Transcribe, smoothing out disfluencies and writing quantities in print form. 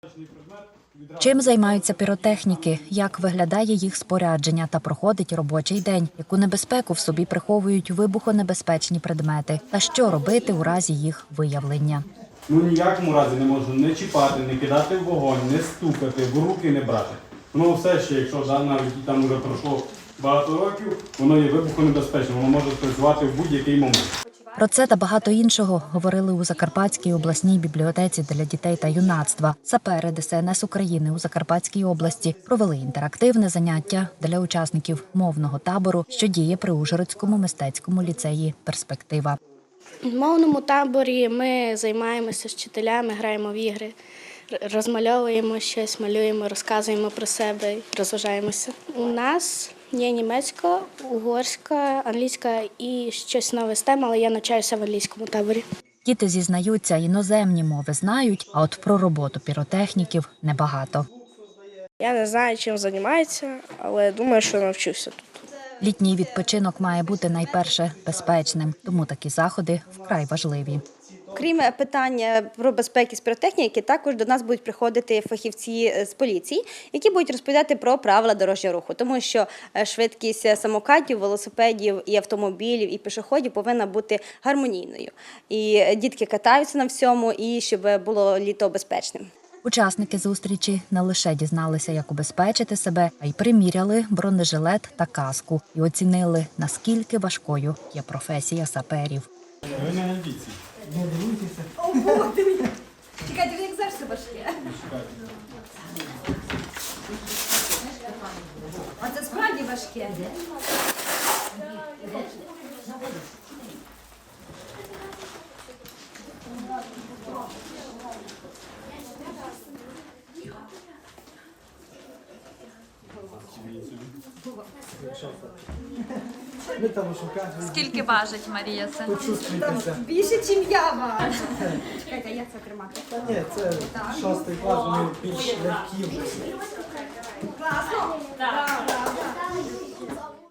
Чим займаються піротехніки, як виглядає їх спорядження та проходить робочий день, яку небезпеку в собі приховують вибухонебезпечні предмети та що робити у разі їх виявлення. Ніякому разі не можна не чіпати, не кидати в вогонь, не стукати, в руки не брати. Воно все ще, якщо навіть там вже пройшло багато років, воно є вибухонебезпечним, воно може спрацювати в будь-який момент. Про це та багато іншого говорили у Закарпатській обласній бібліотеці для дітей та юнацтва. Сапери ДСНС України у Закарпатській області провели інтерактивне заняття для учасників мовного табору, що діє при Ужгородському мистецькому ліцеї «Перспектива». У мовному таборі ми займаємося з вчителями, граємо в ігри, розмальовуємо щось, малюємо, розказуємо про себе, розважаємося. У нас є німецька, угорська, англійська і щось нове з тем, але я навчаюся в англійському таборі. Діти зізнаються, іноземні мови знають, а от про роботу піротехніків – небагато. Я не знаю, чим займаються, але думаю, що навчуся тут. Літній відпочинок має бути найперше безпечним, тому такі заходи вкрай важливі. Крім питання про безпеку з піротехніки, також до нас будуть приходити фахівці з поліції, які будуть розповідати про правила дорожнього руху, тому що швидкість самокатів, велосипедів і автомобілів, і пішоходів повинна бути гармонійною. І дітки катаються на всьому, і щоб було літо безпечним. Учасники зустрічі не лише дізналися, як убезпечити себе, а й приміряли бронежилет та каску і оцінили, наскільки важкою є професія саперів. Ви не амбіції. Не дивуйтеся. О, Бог, дивіться. Чекайте, як завжди важке. А це справді важке. Ми там шукаємо. Скільки важить Марія це? Почувствуйтеся. Більше, ніж я важу. Чекайте, як це тримати? Ні, це 6 клас, вони більш легкі вже. Класно? Так.